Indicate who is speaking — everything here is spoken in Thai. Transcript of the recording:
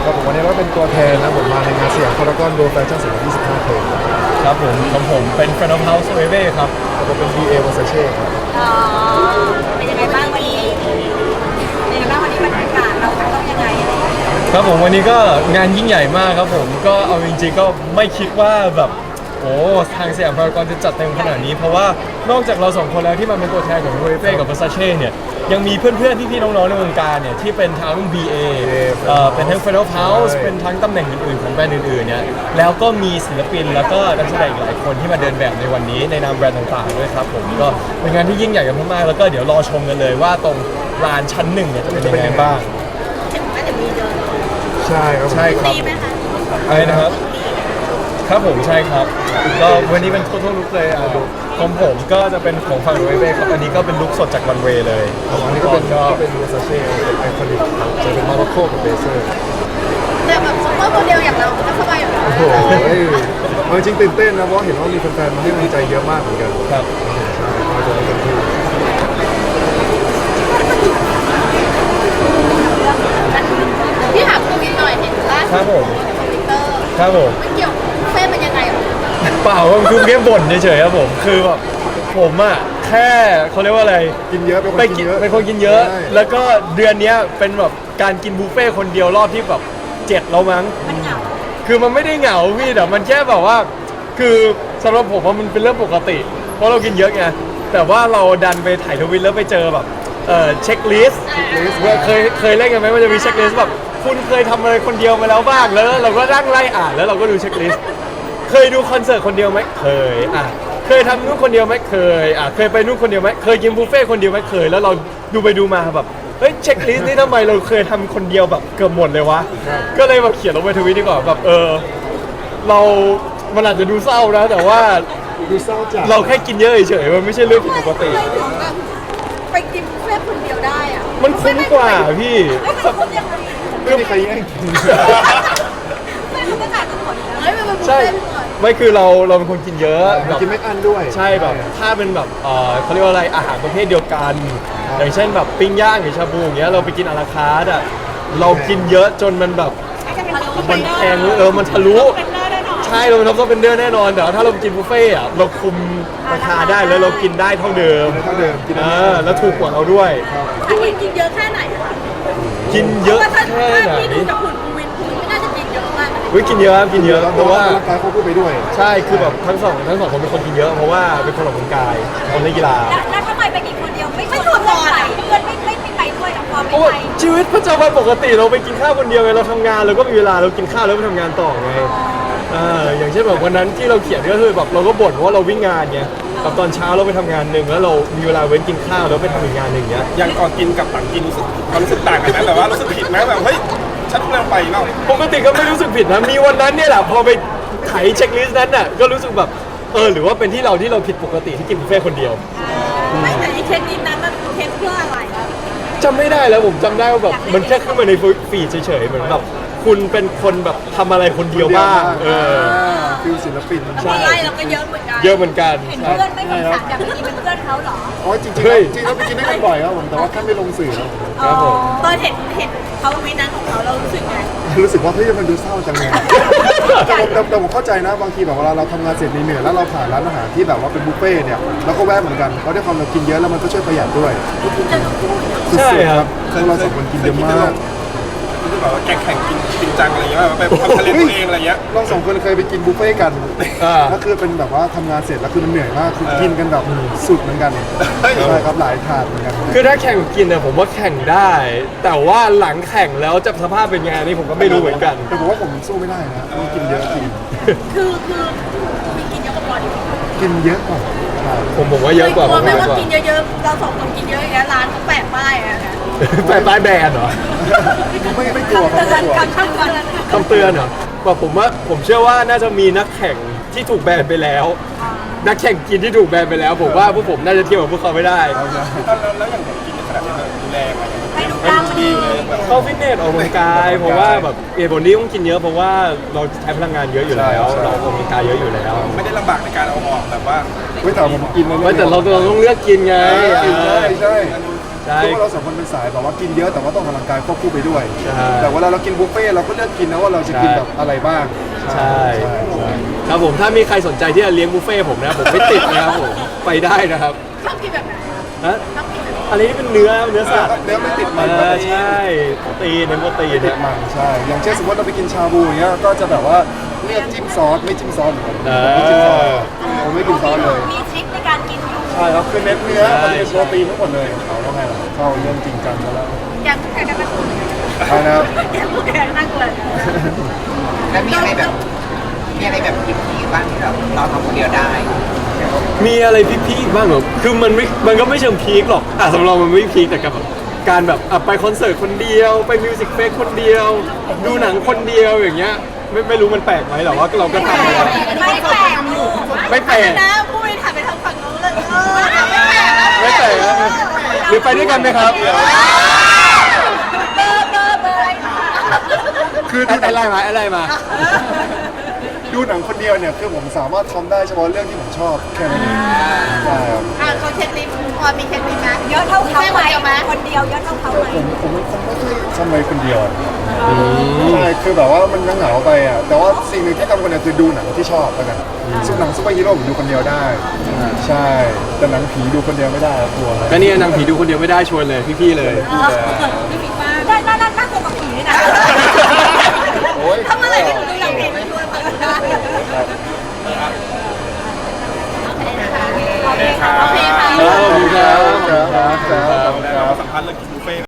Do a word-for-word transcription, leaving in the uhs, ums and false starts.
Speaker 1: ครับผมวันนี้ก็เป็นตัวแทนนะผมมาในงานสยามพารากอนโรแฟชั่นสองพันยี่สิบห้าเพลง
Speaker 2: ครับผมของผมเป็น Friend of House w e v e ครับ
Speaker 1: แล้วก็เป็น บี เอ Versace ครับ
Speaker 3: อ๋อเป็นยังไงบ้างวันนี้เป็นยังไงบ้างวันนี้บรรยากาศเราต้องยังไงอะไรอย่างเงี้ย
Speaker 2: ครับผมวันนี้ก็งานยิ่งใหญ่มากครับผมก็เอาจริงๆก็ไม่คิดว่าแบบโอ้ทางสยามพารากอนจะจัดเต็มขนาดนี้เพราะว่านอกจากเราสองคนแล้วที่มาเป็นตัวแทนของ w e v e กับ Versace เนี่ยยังมีเพื่อนๆพี่ๆน้องๆในวงการเนี่ยที่เป็นทั้ง บี เอ เอ่อเป็นทั้ง Friend of House เป็นทั้งตำแหน่งอื่นๆของแบรนด์อื่นๆเนี่ยแล้วก็มีศิลปินแล้วก็นักแสดงอีกหลายคนที่มาเดินแบบในวันนี้ในนามแบรนด์ต่างๆด้วยครับผมก็เป็นงานที่ยิ่งใหญ่กันมากๆแล้วก็เดี๋ยวรอชมกันเลยว่าตรงลานชั้นหนึ่งเนี่ยจะเป็นยังไงบ้าง
Speaker 3: ถึงว่าจะมีเดิน
Speaker 1: ใช่ครับ
Speaker 2: ใช่ครับ
Speaker 3: ดีไหมคะ
Speaker 2: อะไรนะครับครับผมใช่ครับก็วันนี้เป็นทั่วลุกเลยอ่ะของผมก็จะเป็นของฝั่งเวเว่ครับอันนี้ก็เป็นลุคสดจากวันเวย์เลย
Speaker 1: อันนี้ก็เป็นก็เป็น Versace เป็นไอคอนิกจะเป็นมาร์โคกับเบเซอร์
Speaker 3: แต่แบบซุปเปอร์โมเดลอย่างเราก็สบายอยู่แล้ว
Speaker 1: โอ้โหเอาจริงตื่นเต้นนะเพราะเห็นว่ามีแฟนๆมาให้กำลังใจเยอะมากเหมือนกัน
Speaker 2: ครับ
Speaker 1: ใช่ก็จะได้เต็มที่
Speaker 3: พี่ถามตรงนี้หน่อยเห็นล่าสุด
Speaker 2: ครับผม
Speaker 3: ในทวิตเตอร์
Speaker 2: ครับผม
Speaker 3: ไม่เกี่ยวเฟ่เป็นยังไงหรอ
Speaker 2: เปล่าผมคือแค่บ่นเฉยๆครับผมคือแบบผมอ่ะแค่เขาเรียกว่าอะไร
Speaker 1: กินเยอะเป็นคน
Speaker 2: ไป
Speaker 1: กิ
Speaker 2: กิ
Speaker 1: น
Speaker 2: น
Speaker 1: เยอะ
Speaker 2: เป็นคนกินเยอะ
Speaker 1: ใช่
Speaker 2: แล้วก็เดือนเนี้ยเป็นแบบการกินบุฟเฟ่ต์คนเดียวรอบที่แบบเจ็ดแล้วมั้ง
Speaker 3: มันเหงา
Speaker 2: คือมันไม่ได้เหงาพี่แต่มันแค่แบบว่า คือสำหรับผมว่ามันเป็นเรื่องปกติ เพราะเรากินเยอะไงแต่ว่าเราดันไปถ่ายทวิตแล้วไปเจอแบบเอ่อเช็คลิสต์เคยเคยเล่นกันไหมมันจะมีเช็คลิสต์แบบคุณเคยทำอะไรคนเดียวมาแล้วบ้างแล้วเราก็นั่งไล่อ่านแล้วเราก็ดูเช็คลิสต์เคยดูคอนเสิร์ตคนเดียวไหมเคยอ่ะเคยทำนู่นคนเดียวไหมเคยอ่ะเคยไปนู่นคนเดียวไหมเคยกินบุฟเฟ่ต์คนเดียวไหมเคยแล้วเราดูไปดูมาแบบเฮ้ยเช็คลิสต์นี่ทำไมเราเคยทำคนเดียวแบบเกือบหมดเลยวะก็เลยแบบเขียนลงไปทวิตดีกว่าแบบเออเรามันอาจจะดูเศร้านะ แต่ว่า
Speaker 1: ดูเศร้าจัด
Speaker 2: เราแค่กินเยอะเฉยๆมันไม่ใช่เรื่องผิดปกติ
Speaker 3: ทำไมถึงแบบไปกินบุฟเฟ่ต์คนเดียวได้อะ
Speaker 2: มันคุ้มกว่าพี่
Speaker 3: ไม่เป็นคนยังไง
Speaker 1: ไม่มีใครแย่งกิน
Speaker 3: ไม่เขาก็จ่ายกันหมดอยู่แล้วเฮ้ยมันเป็นบุฟ
Speaker 2: ใช่
Speaker 3: เฟ่ต์หมด
Speaker 2: ไม่คือเราเราเป็นคนกินเยอะแบบ
Speaker 1: กินไม่อั้นด้วย
Speaker 2: ใช่แบบถ้าเป็นแบบเออเขาเรียกว่าอะไรอาหารประเภทเดียวกัน อย่างเช่นแบบปิ้งย่างหรือชาบูอย่างเงี้ยเราไปกินอาราคาร์ทอ่ะเรากินเยอะจนมันแบบมันแพงเออมันทะลุใช่เราเป็นท็อปเป็นเดือนแน่นอนแต่ว่าถ้าเราไปกินบุฟเฟ่ต์อ่ะเราคุมราคาได้แล้วเรากินได้เท่าเดิม
Speaker 1: เท่าเดิมกิน
Speaker 2: เออแล้วถูกกว่าเราด้วย
Speaker 3: อันนี้กินเยอะแค่ไหนอะ
Speaker 2: กินเยอะ
Speaker 3: ถ้า
Speaker 2: แค่ไหน
Speaker 3: ที่ดูจากคุณวินคุณไม่น่าจะกินเยอะมากนะ
Speaker 2: เฮ้ยกินเยอะครับกินเยอะเพ
Speaker 1: เพราะ
Speaker 2: ราะ
Speaker 1: ว่า
Speaker 2: ว่า
Speaker 1: ร่างกายเขาพูดไปด้วย
Speaker 2: ใช่คือแบบทั้งสองทั้งสองคนเป็นคนกินเยอะเพราะว่าเป็นคนออกกำลังกายคนเล่นกีฬา
Speaker 3: แล้วแล้วทำไมไปกินคนเดียวไม่ชวนเพื่อนไปเพื่อนไม่ไม่ไม่ไปด้วยหรอพอ
Speaker 2: เพ
Speaker 3: ไม่
Speaker 2: ราะว่า
Speaker 3: ไป
Speaker 2: ชีวิตประจำวันปกติเราไปกินข้าวคนเดียวไงเราทำงานเราก็มีเวลาเรากินข้าวแล้วไปทำงานต่อไงเอออย่างเช่นแบบวันนั้นที่เราเขียนก็คือแบบเราก็บ่นเพราะว่าเราวิ่งงานไงแบบตอนเช้าเราไปทำงานหนึ่งแล้วเรามีเวลาเว้นกินข้าวแล้วไปทำอีกงานหนึ่งเนี้ย
Speaker 4: อย่างก่อนกินกับหลังกินรู้สึกความรู้สึกต่างกันไหมแบบว่ารู้สึกผิดไหมแบบเฮ้ยฉันกำลังไปเปล่า
Speaker 2: ปกติก็ไม่รู้สึกผิดนะมีวันนั้นเนี่ยแหละพอไปไถเช็คลิสต์นั้นน่ะก็รู้สึกแบบเออหรือว่าเป็นที่เราที่เราผิดปกติที่กินบุฟเฟ่ต์คนเดียว
Speaker 3: ไม่แต่ไอ้เช็คนิดนั้นมันเช็คเพื่ออะไร
Speaker 2: จำไม่ได้แล้วผมจำได้ว่าแบบมันแค่ขึ้นมาในฟีดเฉยๆเหมือนแบบคุณเป็นคนแบบทำอะไรคนเดียวบ้างเออ
Speaker 1: ฟิลศิลปิน
Speaker 3: แล้วพอไล่เราก็เยอะเหมือนกัน
Speaker 2: เยอะเหมือนกัน
Speaker 3: เห็นเพื่อนไม่สงสารอยากไปกินเป็นเพื่อนเขาเหรอ
Speaker 1: อ๋อจริงๆ
Speaker 2: เฮ้ย
Speaker 1: จริงๆเราไปกินด้วยกันบ่อยครับผมแต่ว่าแค่ไม่ลงสื่อครับผม
Speaker 2: ครับผม
Speaker 3: ตอนเห็นเห็นเขาวินั้นของเขาเรารู้สึกไง
Speaker 1: รู้สึกว่าเฮ้ยมันดูเศร้าจังเลยแต่ผมแต่แต่ผมเข้าใจนะบางทีแบบเวลาเราทำงานเสร็จเหนื่อยๆแล้วเราผ่านร้านอาหารที่แบบว่าเป็นบุฟเฟ่ต์เนี่ยเราก็แวะเหมือนกันเพราะด้วยความเรากินเยอะแล้วมันก็ช่วยประหยัดด้วย
Speaker 3: เจอคู่อยู่
Speaker 2: ใช่
Speaker 1: สุดๆ
Speaker 2: ครับ
Speaker 1: คือเราสองคนกินเยอะมาก
Speaker 4: รู้สึกแบบว่าแข่งแข่งกินจริงจังอะไรเงี้ยแบบไปทำทะเลตัวเองอะไรเงี้ย
Speaker 1: เราสองคนเคยไปกินบุฟเฟ่ต์กัน
Speaker 2: อ่า
Speaker 1: แล้วคือเป็นแบบว่าทำงานเสร็จแล้วคือมันเหนื่อยมากคือกินกันแบบสุดเหมือนกันใช่ครับหลายถาดเหมือนกัน
Speaker 2: คือถ้าแข่งกินเนี่ยผมว่าแข่งได้ แต่ว่าหลังแข่งแล้วจะสภาพเป็นไงนี่ผมก็ไม่รู้เหมือนกัน
Speaker 1: แต่ผมว่าผมสู้ไม่ได้นะต้องกินเยอะจริง
Speaker 3: คือคือมีกินเยอะกว่าบอลอีก
Speaker 1: กินเยอะกว่าใช่
Speaker 2: ผมบอกว่าเยอะกว่า
Speaker 3: กลัวไหม
Speaker 2: เยอะ
Speaker 3: ว่าก
Speaker 2: ว่า
Speaker 3: กินเยอะๆเราสองคนกินเยอะอย่างเงี้ยร้านเขาแปะป้ายอะนะ
Speaker 2: แปลป้ายแบรนด์เหรอ
Speaker 1: ไม่ไม่กลัวครับ
Speaker 3: เตือ
Speaker 1: ไม่
Speaker 3: น
Speaker 1: กลัว
Speaker 3: คำเตือน
Speaker 2: คำเตือนเหรอว่าผมว่าผมเชื่อว่าน่าจะมีนักแข่งที่ถูกแบนไปแล้ว นักแข่งกินที่ถูกแบนไปแล้ว ผมว่าพวกผมน่าจะเทียบกับพวกเขาไม่ได้
Speaker 4: แล้วแล้วอย่างแบบกินขนาดนี้แบบดูแลอะไรเงี้ย
Speaker 3: ให้ดูกล้ามมันดี
Speaker 2: เข้าฟิตเนสออกกำลังกายเพราะว่าแบบเหตุผลที่ต้องกินเยอะเพราะว่าเราใช้พลังงานเยอะอยู่แล้ว เราออกกำลังกายเยอะอยู่แล้ว
Speaker 4: ไม่ได้ลำบากในการเอาออกแบบว่า
Speaker 1: ไม่แต่ผมกินแล้ว
Speaker 2: ไม่แต่เราเราต้องเลือกกินไง
Speaker 1: กินใช่ใช่
Speaker 2: ใช่
Speaker 1: เพราะว่าเราสองคนเป็นสายแบบว่ากินเยอะแต่ว่าต้องออกกำลังกายควบคู่ไปด้วย
Speaker 2: ใช่
Speaker 1: แต่เวลาเรากินบุฟเฟ่ต์เราก็เลือกกินนะว่าเราจะกินแบบอะไรบ้าง
Speaker 2: ใช่
Speaker 1: ใช่ใช่
Speaker 2: ครับผมถ้ามีใครสนใจที่จะเลี้ยงบุฟเฟ่ต์ผมนะผมไม่ติดนะครับผมไปได้นะครับ
Speaker 3: ชอบกินแบบไหน
Speaker 2: ฮะอันนี้เป็นเนื้อเนื้อสัตว์
Speaker 1: เนื้อไม่ติดมัน
Speaker 2: เอ
Speaker 1: แบบ
Speaker 2: อ
Speaker 1: นี้
Speaker 2: ใช่โปรตีนเน้นโปรตีน
Speaker 1: ไม่ติด
Speaker 2: นะ
Speaker 1: มันใช่อย่างเช่นสมมติเราไปกินชาบูอย่างเงี้ยก็จะแบบว่าเลือกจิ้มซอสไม่จิ้มซอสเหมือนกัน
Speaker 2: เอ
Speaker 1: ไม่จิ้มซอส
Speaker 2: อ
Speaker 1: ผมไม่กินซอสเลย
Speaker 3: มีทริคในการกินอยู่
Speaker 1: ใช่ครับคือเน้นเนื้อ
Speaker 2: ใช่
Speaker 1: มันเป็นโปรตีนทั้งหมดเลยเขาต้องไงล่ะเข้าเรื่องจริงจังแล้ว
Speaker 3: อย่างแข่งกันเป็นคน
Speaker 1: ใช่นะครับ
Speaker 3: อย่างผู้แข่งน่ากลัว
Speaker 5: แล้วมีอะไรแบบมีอะไรแบบพีคๆบ้างที่เราเราทำคนเดียวได้
Speaker 2: มีอะไรพีคๆบ้างเหรอคือมันไม่มันก็ไม่เชิงพีคหรอกอ่ะสำหรับเรามันไม่พีคแต่กับแบบการแบบอ่ะไปคอนเสิร์ตคนเดียวไปมิวสิกเฟสคนเดียว ดูหนังคนเดียวอย่างเงี้ยไม่ไม่รู้มันแปลกไหมแต่ว่าเราก็ทำมาแล้ว
Speaker 3: ไม่แปลก
Speaker 2: ไม่แปลก
Speaker 3: นะผู้บริหารไปทางฝั่งนู้นเลยเออไม่แปลก
Speaker 2: ไม่แปลกนะหรือไปด้วยกันไหมครับ
Speaker 3: เบอร์เบอร์เบอร์อะไรคะ
Speaker 1: คือ
Speaker 2: ไอ้
Speaker 1: ดูหนัง
Speaker 2: ไล่มาไอ้ไล่มา
Speaker 1: ดูหนังคนเดียวเนี่ยคือผมสามารถทำได้เฉพาะเรื่องที่ผมชอบแค่นั้นเองใช่ครับ
Speaker 3: อ่ะเขาเช็คลิสต์พอมีเช็คลิสต์ไหมเยอะเท่าเขาไหมคนเดียวเยอะเท่าเขาไหม
Speaker 1: ผมผมเป็นคนไม่ค่อยทำอะไรคนเดียวอะใช่คือแบบว่ามันเหงาๆไปอ่ะแต่ว่าสิ่งหนึ่งที่ทำคนเดียวคือดูหนังที่ชอบแล้วกันซึ่งหนังซูเปอร์ฮีโร่ผมดูคนเดียวได้ ใช่แต่หนังผีดูคนเดียวไม่ได้อะกลัว
Speaker 2: ก็เนี่ยนางผีดูคนเดียวไม่ได้ชวนเลยพี่ๆเลย
Speaker 3: พี่พี